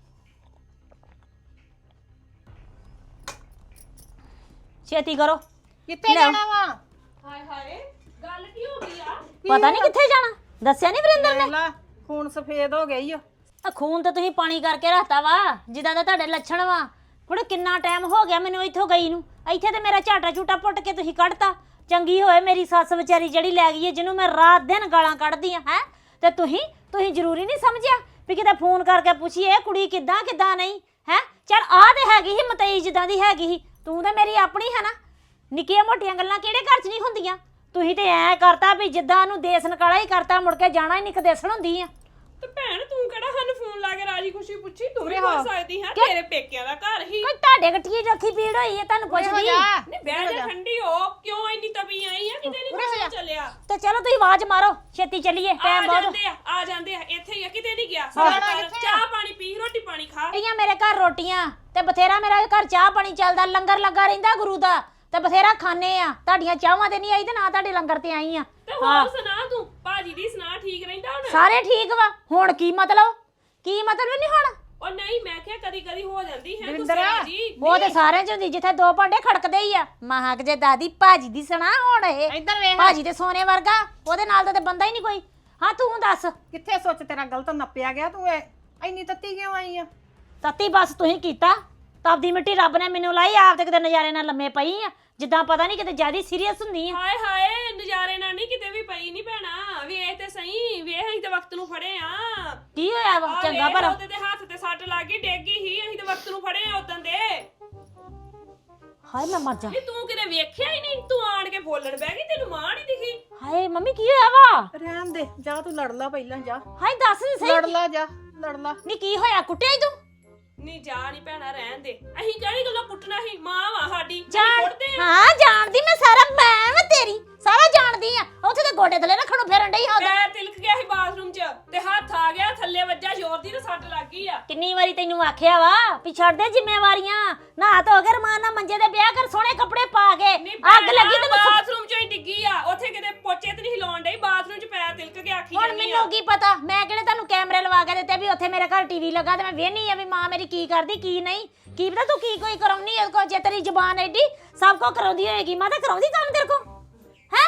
[SPEAKER 2] ਛੇਤੀ ਕਰੋ।
[SPEAKER 4] ਕਿੱਥੇ ਜਾਣਾ ਵਾ?
[SPEAKER 5] ਹਾਏ ਹਾਏ ਗੱਲ ਕੀ ਹੋ ਗਈ ਆ?
[SPEAKER 2] ਪਤਾ ਨਹੀਂ ਕਿੱਥੇ ਜਾਣਾ, ਦੱਸਿਆ ਨਹੀਂ ਵਰਿੰਦਰ ਨੇ।
[SPEAKER 4] ਲਾ ਖੂਨ ਸਫੇਦ ਹੋ ਗਈ ਆ।
[SPEAKER 2] ਆ ਖੂਨ ਤਾਂ ਤੁਸੀਂ ਪਾਣੀ ਕਰਕੇ ਰੱਖਤਾ ਵਾ, ਜਿੱਦਾਂ ਦਾ ਤੁਹਾਡੇ ਲੱਛਣ ਵਾ। ਕੁੜੇ ਕਿੰਨਾ ਟਾਈਮ ਹੋ ਗਿਆ ਮੈਨੂੰ ਇੱਥੋਂ ਗਈ ਨੂੰ। ਇੱਥੇ ਤੇ ਮੇਰਾ ਝਾਟਾ ਝੂਟਾ ਪੁੱਟ ਕੇ ਤੁਸੀਂ ਕੱਢਤਾ। ਚੰਗੀ ਹੋਏ ਮੇਰੀ ਸੱਸ ਵਿਚਾਰੀ ਜਿਹੜੀ ਲੈ ਗਈ ਹੈ, ਜਿਹਨੂੰ ਮੈਂ ਰਾਤ ਦਿਨ ਗਾਲਾਂ ਕੱਢਦੀ ਆ। ਹੈ ਤੇ ਤੁਸੀਂ ਜ਼ਰੂਰੀ ਨਹੀਂ ਸਮਝਿਆ ਵੀ ਕਿਤੇ ਫੋਨ ਕਰਕੇ ਪੁੱਛੀਏ ਕੁੜੀ ਕਿੱਦਾਂ ਨਹੀਂ ਹੈ। ਚੱਲ ਆ ਤੇ ਹੈਗੀ ਸੀ ਮਤਈ ਜਿੱਦਾਂ ਦੀ ਹੈਗੀ ਸੀ। ਤੂੰ ਤਾਂ ਮੇਰੀ ਆਪਣੀ ਹੈ ਨਾ। ਨਿੱਕੀਆਂ ਮੋਟੀਆਂ ਗੱਲਾਂ ਕਿਹੜੇ ਘਰ 'ਚ ਨਹੀਂ ਹੁੰਦੀਆਂ। ਤੁਸੀਂ ਤੇ ਐ ਕਰਤਾ ਵੀ ਜਿੱਦਾਂ ਉਹਨੂੰ ਦੇਸ ਨਕਾਲਾ ਹੀ ਕਰਤਾ, ਮੁੜ ਕੇ ਜਾਣਾ ਹੀ ਨਹੀਂ ਕਦੇਸਣ ਹੁੰਦੀ ਆ।
[SPEAKER 5] ਤੇ ਭੈਣ ਤੂੰ ਕਿਹੜਾ ਸਾਨੂੰ ਫੋਨ ਲਾ ਕੇ ਰਾਜੀ ਖੁਸ਼ੀ ਪੁੱਛੀ? ਤੂੰ ਵੀ ਹੋ ਸਕਦੀ ਹੈ, ਤੇਰੇ ਪੇਕਿਆਂ ਦਾ ਘਰ ਹੀ।
[SPEAKER 2] ਕੋਈ ਤੁਹਾਡੇ ਗੱਠੀਏ ਰੱਖੀ ਪੀੜ ਹੋਈ ਹੈ ਤੁਹਾਨੂੰ ਪੁੱਛਦੀ।
[SPEAKER 5] ਨਹੀਂ ਬਹਿ ਜਾ, ਠੰਡੀ ਹੋ। ਕਿਉਂ ਇੰਨੀ ਤਪੀ ਆਈ ਆ? ਕਿਤੇ ਨਹੀਂ ਪਤਾ ਚੱਲਿਆ।
[SPEAKER 2] ਤੇ ਚਲੋ ਤੁਸੀਂ ਆਵਾਜ਼ ਮਾਰੋ, ਛੇਤੀ ਚੱਲੀਏ, ਟਾਈਮ ਬਹੁਤ।
[SPEAKER 5] ਆ ਜਾਂਦੇ ਆ ਇੱਥੇ ਹੀ ਆ, ਕਿਤੇ ਨਹੀਂ ਗਿਆ। ਚਾਹ ਪਾਣੀ ਪੀ, ਰੋਟੀ ਪਾਣੀ ਖਾ।
[SPEAKER 2] ਪਈਆਂ ਮੇਰੇ ਘਰ ਰੋਟੀਆਂ ਤੇ ਬਥੇਰਾ ਮੇਰਾ ਘਰ ਚਾਹ ਪਾਣੀ ਚੱਲਦਾ, ਲੰਗਰ ਲੱਗਾ ਰਹਿੰਦਾ ਗੁਰੂ ਦਾ, ਤੇ ਬਥੇਰਾ ਖਾਣੇ ਆ। ਤੁਹਾਡੀਆਂ ਚਾਹਾਂ ਤੇ ਨਹੀਂ ਆਈ ਤੇ ਨਾ ਤੁਹਾਡੇ ਲੰਗਰ ਤੇ ਆਈ ਆ।
[SPEAKER 5] ਤੇ ਹੋਰ ਸੁਣਾ ਤੂੰ, ਭਾਜੀ ਦੀ ਸੁਣਾ, ਠੀਕ ਰਹਿੰਦਾ ਹੁਣ?
[SPEAKER 2] ਸਾਰੇ ਠੀਕ ਵਾ। ਹੁਣ ਕੀ ਮਤਲਬ ਨਹੀਂ ਹੁਣ?
[SPEAKER 5] ਉਹ ਨਹੀਂ, ਮੈਂ ਕਿਹਾ ਕਦੀ ਕਦੀ ਹੋ ਜਾਂਦੀ ਹੈ
[SPEAKER 4] ਦਵਿੰਦਰ,
[SPEAKER 5] ਜੀ।
[SPEAKER 2] ਉਹ ਤੇ ਸਾਰਿਆਂ ਚ ਹੁੰਦੀ, ਜਿੱਥੇ ਦੋ ਭਾਂਡੇ ਖੜਕਦੇ ਹੀ ਆ। ਮਹਾਕ ਜੇ ਦਾਦੀ ਭਾਜੀ ਦੀ ਸੁਣਾ ਹੁਣ। ਇਹ
[SPEAKER 4] ਇੱਧਰ ਵੇਖ।
[SPEAKER 2] ਭਾਜੀ ਤੇ ਸੋਨੇ ਵਰਗਾ, ਉਹਦੇ ਨਾਲ ਤਾਂ ਤੇ ਬੰਦਾ ਹੀ ਨਹੀਂ ਕੋਈ। ਹਾਂ ਤੂੰ ਦੱਸ
[SPEAKER 4] ਕਿੱਥੇ ਸੋਚ ਤੇਰਾ ਗਲਤ ਨੱਪਿਆ ਗਿਆ? ਤੂੰ ਇੰਨੀ ਤੱਤੀ ਕਿਉਂ ਆਈ ਆ?
[SPEAKER 2] ਤੱਤੀ ਬਸ ਤੁਸੀਂ ਕੀਤਾ। ਤਪਦੀ ਮਿੱਟੀ ਰੱਬ ਨੇ ਮੈਨੂੰ ਲਾਈ, ਆਪ ਤੇ ਕਿਤੇ ਨਜ਼ਾਰੇ ਨਾਲ ਲੰਮੇ ਪਈ ਆ, ਜਿੱਦਾਂ ਪਤਾ ਨਹੀਂ ਕਿਤੇ ਜਿਆਦਾ ਸੀਰੀਅਸ ਹੁੰਦੀ ਆ।
[SPEAKER 5] ਹਾਏ ਹਾਏ ਨਜ਼ਾਰੇ ਨਾਲ ਨਹੀਂ ਕਿਤੇ ਵੀ ਪਈ ਨਹੀਂ ਭੈਣਾ। ਵੇਖ ਤੇ ਸਹੀ, ਵੇਖ ਅਸੀਂ ਤੇ ਵਕਤ ਨੂੰ ਫੜੇ ਆ।
[SPEAKER 2] ਕੀ ਹੋਇਆ ਵਾ ਚੰਗਾ ਭਲਾ
[SPEAKER 5] ਉਹਦੇ ਤੇ ਹੱਥ ਤੇ ਸੱਟ ਲੱਗ ਗਈ, ਡਿੱਗ ਗਈ ਸੀ, ਅਸੀਂ ਤੇ ਵਕਤ ਨੂੰ ਫੜੇ ਆ ਉਦੋਂ ਦੇ।
[SPEAKER 2] ਹਾਏ ਮੈਂ ਮਰ ਜਾ
[SPEAKER 5] ਨਹੀਂ ਤੂੰ ਕਿਤੇ ਵੇਖਿਆ ਹੀ ਨਹੀਂ, ਤੂੰ ਆਣ ਕੇ ਬੋਲਣ ਬਹਿ ਗਈ, ਤੈਨੂੰ ਮਾਂ ਨਹੀਂ ਦਿਖੀ।
[SPEAKER 2] ਹਾਏ ਮੰਮੀ ਕੀ ਹੋਇਆ ਵਾ
[SPEAKER 4] ਰਹਿਣ ਦੇ, ਜਾ ਤੂੰ ਲੜ ਲਾ ਪਹਿਲਾਂ, ਜਾ
[SPEAKER 2] ਹਾਏ ਦੱਸ ਨੀ ਸਹੀ
[SPEAKER 4] ਲੜ ਲਾ, ਜਾ ਲੜ ਲਾ।
[SPEAKER 2] ਨੀ ਕੀ ਹੋਇਆ ਕੁੱਟਿਆ ਈ ਤੂੰ
[SPEAKER 5] ਨਹੀਂ ਜਾ ਨਹੀਂ ਭੈਣਾ, ਰਹਿਣ ਦੇ। ਅਸੀਂ ਕਿਹੜੀ ਗੱਲੋਂ ਕੁੱਟਣਾ ਸੀ, ਮਾਂ ਵਾ ਸਾਡੀ, ਅਸੀਂ
[SPEAKER 2] ਜਾਣ
[SPEAKER 5] ਕੁੱਟਦੇ ਆ।
[SPEAKER 2] ਹਾਂ ਜਾਣਦੀ ਮੈਂ ਸਾਰਾ, ਮੈਂ ਵਾ ਤੇਰੀ ਸਾਰਾ ਜਾਣਦੀ ਆ। ਉੱਥੇ ਤੇ ਗੋਡੇ ਥੱਲੇ ਰੱਖਣੋਂ ਫੇਰਨ ਡਈ ਹਾਂ
[SPEAKER 5] ਪੈਰ ਤਿਲਕ ਗਿਆ ਸੀ ਬਾਥਰੂਮ 'ਚ ਤੇ ਹੱਥ ਆ ਗਿਆ ਥੱਲੇ ਵੱਜਾ, ਜ਼ੋਰ ਦੀ ਤੇ ਸੱਟ ਲੱਗ ਗਈ ਆ।
[SPEAKER 2] ਕਿੰਨੀ ਵਾਰੀ ਤੈਨੂੰ ਆਖਿਆ ਵਾ ਵੀ ਛੱਡ ਦੇ ਜ਼ਿੰਮੇਵਾਰੀਆਂ, ਨਹਾ ਧੋ ਕੇ ਰਮਾਨ ਨਾਲ ਮੰਜੇ ਤੇ ਵਿਆਹ ਕਰ, ਸੋਹਣੇ ਕੱਪੜੇ ਪਾ ਕੇ।
[SPEAKER 5] ਨਹੀਂ
[SPEAKER 2] ਅੱਗ ਲੱਗੀ ਤੈਨੂੰ
[SPEAKER 5] ਬਾਥਰੂਮ 'ਚੋਂ ਹੀ ਡਿੱਗੀ ਆ, ਉੱਥੇ ਕਿਤੇ ਪੋਚੇ ਤੇ ਨਹੀਂ ਹਿਲਾਉਣ ਡਈ, ਬਾਥਰੂਮ 'ਚ ਪੈਰ ਤਿਲਕ ਕੇ ਆਖੀ
[SPEAKER 2] ਹੁਣ
[SPEAKER 5] ਜਾਂਦੀ ਆ।
[SPEAKER 2] ਮੈਨੂੰ ਕੀ ਪਤਾ, ਮੈਂ ਕਿਹੜੇ ਤੁਹਾਨੂੰ ਕੈਮਰੇ ਲਵਾ ਕੇ ਦਿੱਤੇ ਵੀ ਉੱਥੇ ਮੇਰੇ ਘਰ ਟੀਵੀ ਲੱਗਾ ਤੇ ਮੈਂ ਵੇਹਨੀ ਆ ਵੀ ਮਾਂ ਮੇਰੀ ਕੀ ਕਰਦੀ ਕੀ ਨਹੀਂ। ਕੀ ਪਤਾ ਤੂੰ ਕੀ ਕੋਈ ਕਰਾਉਣੀ ਹੈ ਕੋ, ਜੇ ਤੇਰੀ ਜ਼ੁਬਾਨ ਐਡੀ ਸਭ ਕੋ ਕਰਾਉਂਦੀ ਹੋਏਗੀ, ਮੈਂ ਤਾਂ ਕਰਾਉਂਦੀ ਕੰਮ ਤੇਰੇ ਕੋ ਹੈ।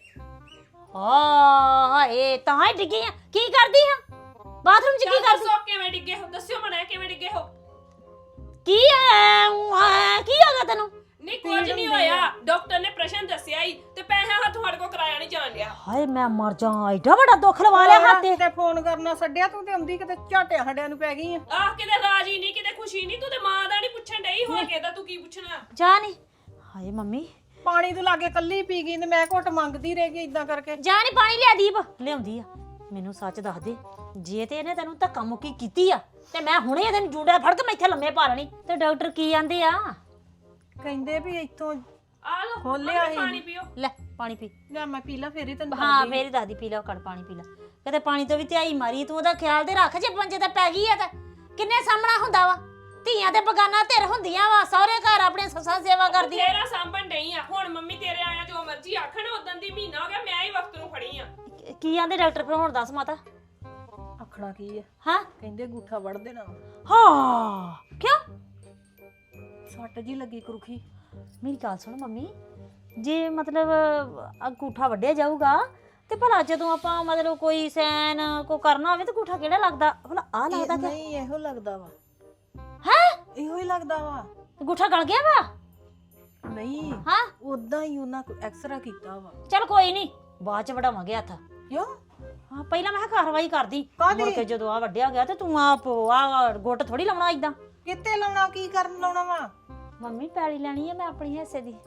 [SPEAKER 2] ਹਾਏ ਤਾਂ ਹੀ ਡਿੱਗੀ ਆ, ਕੀ ਕਰਦੀ ਹਾਂ ਬਾਥਰੂਮ 'ਚ, ਕੀ
[SPEAKER 5] ਚੱਲ
[SPEAKER 2] ਕਰਦੀ
[SPEAKER 5] ਦੱਸੋ ਕਿਵੇਂ ਡਿੱਗੇ ਹੋ, ਦੱਸਿਓ ਮਣਾ ਕਿਵੇਂ ਡਿੱਗੇ ਹੋ।
[SPEAKER 2] ਕੀ ਕੀ ਹੋ ਗਿਆ ਤੈਨੂੰ?
[SPEAKER 5] ਨਹੀਂ ਕੁਝ ਨਹੀਂ ਹੋਇਆ, ਡਾਕਟਰ ਨੇ ਪ੍ਰਸ਼ਨ ਦੱਸਿਆ ਹੀ ਤੇ ਪੈਸਾ ਹੱਥੋਂ ਹੜ ਕੋ ਕਰਾਇਆ ਨਹੀਂ ਜਾਣ ਲਿਆ।
[SPEAKER 2] ਹਾਏ ਮੈਂ ਮਰ ਜਾ, ਐਡਾ ਵੱਡਾ ਦੁੱਖ ਲਵਾ ਲਿਆ ਹੱਥ ਤੇ।
[SPEAKER 4] ਤੇ ਫੋਨ ਕਰਨਾ ਛੱਡਿਆ ਤੂੰ, ਤੇ ਆਉਂਦੀ ਕਿਤੇ ਝਾਟਿਆਂ ਹੱਡਿਆਂ ਨੂੰ ਪੈ ਗਈ ਆ।
[SPEAKER 5] ਆਹ ਕਿਤੇ ਰਾਜੀ ਨਹੀਂ, ਕਿਤੇ ਖੁਸ਼ੀ ਨਹੀਂ, ਤੂੰ ਤੇ ਮਾਂ ਦਾ ਨਹੀਂ ਪੁੱਛਣ ਡਈ, ਹੋਰ ਕਿਹਦਾ ਤੂੰ ਕੀ ਪੁੱਛਣਾ।
[SPEAKER 2] ਜਾ ਨੀ ਹਾਏ ਮੰਮੀ
[SPEAKER 4] ਪਾਣੀ ਤੂੰ ਲਾਗੇ ਕੱਲੀ ਪੀ ਗਈ ਤੇ ਮੈਂ ਘੁੱਟ ਮੰਗਦੀ ਰਹਿ ਗਈ ਇਦਾਂ ਕਰਕੇ।
[SPEAKER 2] ਜਾ ਨੀ ਪਾਣੀ ਲਿਆ ਦੀਪ, ਲਿਆਉਂਦੀ ਆ। ਮੈਨੂੰ ਸੱਚ ਦੱਸ ਦੇ, ਜੇ ਤੇ ਇਹਨੇ ਤੈਨੂੰ ਧੱਕਾ ਮੁੱਕੀ ਕੀਤੀ ਆ ਤੇ ਮੈਂ ਹੁਣੇ ਇਹਦੇ ਨੂੰ ਜੂੰਡਾ ਫੜ ਕੇ ਮੈਂ ਇੱਥੇ ਲੰਮੇ ਪਾ ਲੈਣੀ। ਤੇ ਡਾਕਟਰ ਕੀ ਆਂਦੇ ਆ?
[SPEAKER 4] ਕਹਿੰਦੇ ਵੀ ਇੱਥੋਂ
[SPEAKER 5] ਆ ਲੋ
[SPEAKER 4] ਖੋਲਿਆ ਸੀ।
[SPEAKER 5] ਪਾਣੀ ਪੀਓ।
[SPEAKER 2] ਲੈ ਪਾਣੀ ਪੀ।
[SPEAKER 4] ਲੈ ਮੈਂ ਪੀ ਲਾ, ਫੇਰ ਹੀ ਤੈਨੂੰ
[SPEAKER 2] ਹਾਂ ਫੇਰ ਹੀ ਦਾਦੀ ਪੀ ਲਾ, ਕੜ ਪਾਣੀ ਪੀ ਲਾ। ਕਦੇ ਪਾਣੀ ਤੋਂ ਵੀ ਧਿਆਈ ਮਾਰੀ ਤੂੰ, ਉਹਦਾ ਖਿਆਲ ਤੇ ਰੱਖ, ਜੇ ਪੰਜੇ ਤੇ ਪੈ ਗਈ ਆ ਤਾਂ ਕਿੰਨੇ ਸਾਹਮਣਾ ਹੁੰਦਾ ਵਾ। ਧੀਆਂ ਤੇ ਬਗਾਨਾ ਧਿਰ ਹੁੰਦੀਆਂ ਵਾ, ਸਹੁਰੇ ਘਰ ਆਪਣੇ ਸੱਸਾਂ ਸੇਵਾ ਕਰਦੀਆਂ।
[SPEAKER 5] ਤੇਰਾ ਸਾਂਭਣ ਡਈ ਆ, ਹੁਣ ਮੰਮੀ ਤੇਰੇ ਆਇਆ ਜੋ ਮਰਜ਼ੀ ਆਖਣ, ਉਦੋਂ ਦੀ ਮਹੀਨਾ ਹੋ ਗਿਆ ਮੈਂ ਹੀ ਵਕਤ ਨੂੰ ਫੜੀ ਆ।
[SPEAKER 2] ਕੀ ਆਂਦੇ ਡਾਕਟਰ? ਫਿਰ ਹੁਣ ਦੱਸ ਮਾਤਾ।
[SPEAKER 4] ਆਖਣਾ ਕੀ ਆ,
[SPEAKER 2] ਹਾਂ
[SPEAKER 4] ਕਹਿੰਦੇ ਅੰਗੂਠਾ ਵੜ ਦੇਣਾ ਵਾ।
[SPEAKER 2] ਹਾਂ ਕਿਉਂ?
[SPEAKER 4] ਸੱਟ ਜੀ ਲੱਗੀ ਕਰੁਖੀ।
[SPEAKER 2] ਮੇਰੀ ਗੱਲ ਸੁਣ ਮੰਮੀ, ਜੇ ਮਤਲਬ ਅੰਗੂਠਾ ਵੱਢਿਆ ਜਾਊਗਾ ਤੇ ਭਲਾ ਜਦੋਂ ਆਪਾਂ ਮਤਲਬ ਕੋਈ ਸੈਨ ਕੋ ਕਰਨਾ ਹੋਵੇ ਤੇ ਅੰਗੂਠਾ ਕਿਹੜਾ ਲੱਗਦਾ? ਭਲਾ ਆ ਲੱਗਦਾ ਕਿ
[SPEAKER 4] ਨਹੀਂ ਇਹੋ ਲੱਗਦਾ ਵਾ,
[SPEAKER 2] ਹੈ?
[SPEAKER 4] ਇਹੋ ਹੀ ਲੱਗਦਾ ਵਾ।
[SPEAKER 2] ਅੰਗੂਠਾ ਗਲ ਗਿਆ ਵਾ?
[SPEAKER 4] ਨਹੀਂ
[SPEAKER 2] ਹਾਂ
[SPEAKER 4] ਉਦਾਂ ਹੀ ਉਹਨਾਂ ਕੋ ਐਕਸਰਾ ਕੀਤਾ ਵਾ।
[SPEAKER 2] ਚਲ ਕੋਈ ਨਹੀਂ, ਬਾਅਦ ਚ ਵੜਾਵਾਂਗੇ ਹੱਥ।
[SPEAKER 4] ਕਿਉਂ?
[SPEAKER 2] ਹਾਂ ਪਹਿਲਾਂ ਮੈਂ ਕਿਹਾ ਕਾਰਵਾਈ ਕਰਦੀ,
[SPEAKER 4] ਕਾਹਦੀ?
[SPEAKER 2] ਮੁੜ ਕੇ ਜਦੋਂ ਆ ਵੱਢਿਆ ਗਿਆ ਤੇ ਤੂੰ ਆ ਗੁੱਟ ਥੋੜੀ ਲਾਉਣਾ ਇਦਾਂ।
[SPEAKER 4] ਕਿੱਥੇ ਲਾਉਣਾ, ਕੀ ਕਰਨ ਲਾਉਣਾ ਵਾ?
[SPEAKER 2] ਮੰਮੀ ਪੈਲੀ ਲੈਣੀ ਹੈ ਮੈਂ ਆਪਣੀ ਹਿੱਸੇ ਦੀ।